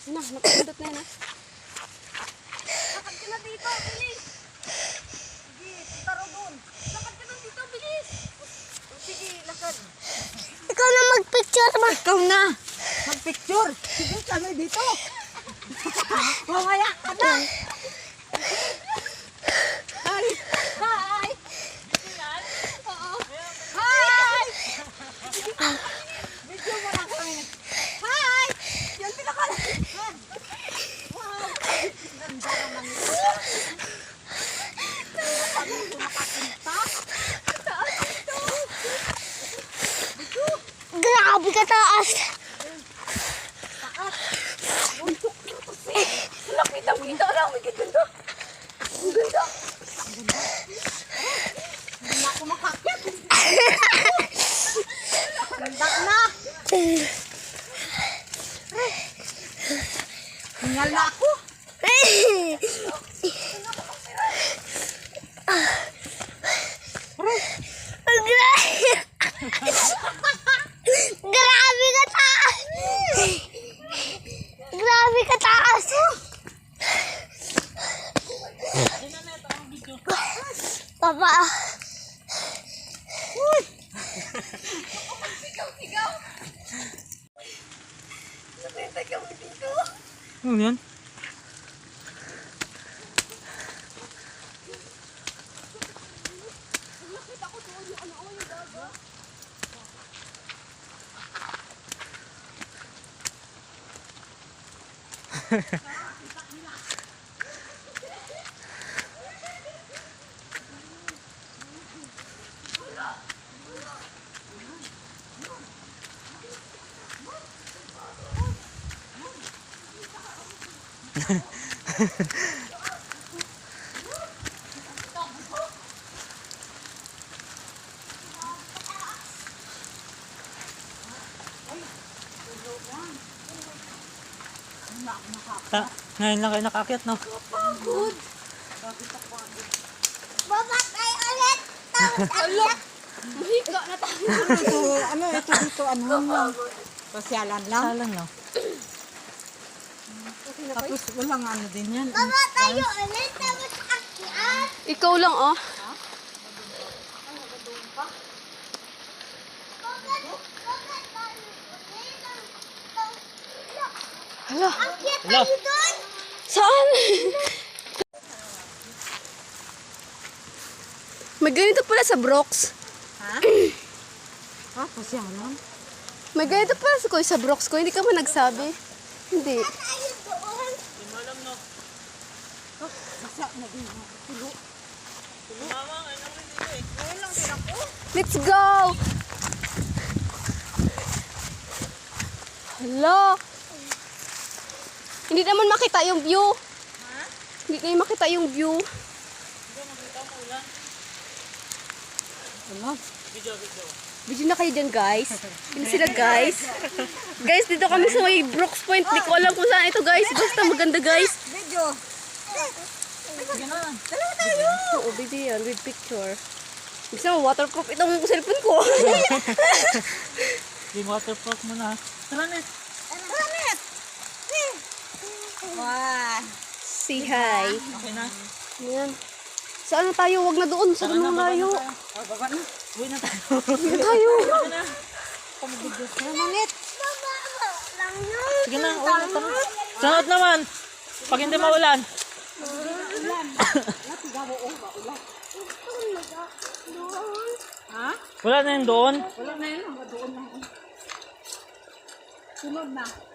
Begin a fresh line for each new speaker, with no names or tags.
Yun na, nakapindot na yun ha.
Lakad ka na dito, bilis! Sige, punta ro doon. Lakad ka na dito, bilis! Sige, lakad.
Ikaw na mag-picture ba?
Ikaw na! Mag-picture! Sige, kami dito! Mamaya ka na! Hi! Hi! Oo. Hi! Video mo lang kami. Hi! Yan pinakalakan. Wow! Ganda naman ito. Ano ito makapunta? Taas ito.
Grabe ka taas.
Taas. Buntok na kasi. Nakita-kita lang. May ganda. Ang ganda. Ang ganda. Hindi na ako makakyat. Ganda na. Hingal na ako.
Grabe ka taas. Grabe ka taas. Papa.
Sigaw-sigaw. Sigaw dito.
Ano yan? Ngayon lang kayo nakaakyat, no?
Pagod.
Babakay ulit.
Ala. Mahika na tayo. Ano ito dito? Ano lang? Pasyalan lang.
Salang lang.
Tapos walang ano din yan.
Baba tayo ulit. Tapos akyat.
Ikaw lang oh. Hala,
Akyat
Hello.
tayo doon.
saan? May ganito pala sa Brooks.
Ha? Pasyalan?
May ganito pala sa Brooks ko. Hindi ka ba nagsabi? Hindi.
Tayo doon.
Basa na din. Tulo.
Let's go! Hala. Hindi naman makita yung view.
Ha?
Hindi na makita yung view.
Ano?
Video na kayo dyan, guys. Hindi sila, guys. Guys, dito kami sa may Brooks Point. Hindi ko alam kung saan ito, guys. Basta maganda, guys.
Video.
Sige na.
Dalawa tayo.
Oo, video yan. With picture. Gusto mo, waterproof itong cellphone ko.
Di waterproof mo na. Tara, net.
Planet. Wow.
Say hi.
Okay na.
Ayan. Saan na tayo? Huwag na doon. Saan na layo?
Baba na.
Uwi na tayo.
Huwag na tayo.
Manit.
Baba lang yun.
Sige na, uwi na tayo. Sunod naman. Pag hindi maulan.
Ha?
Wala na yun doon.
Wala na yun. Doon na. Sunod na.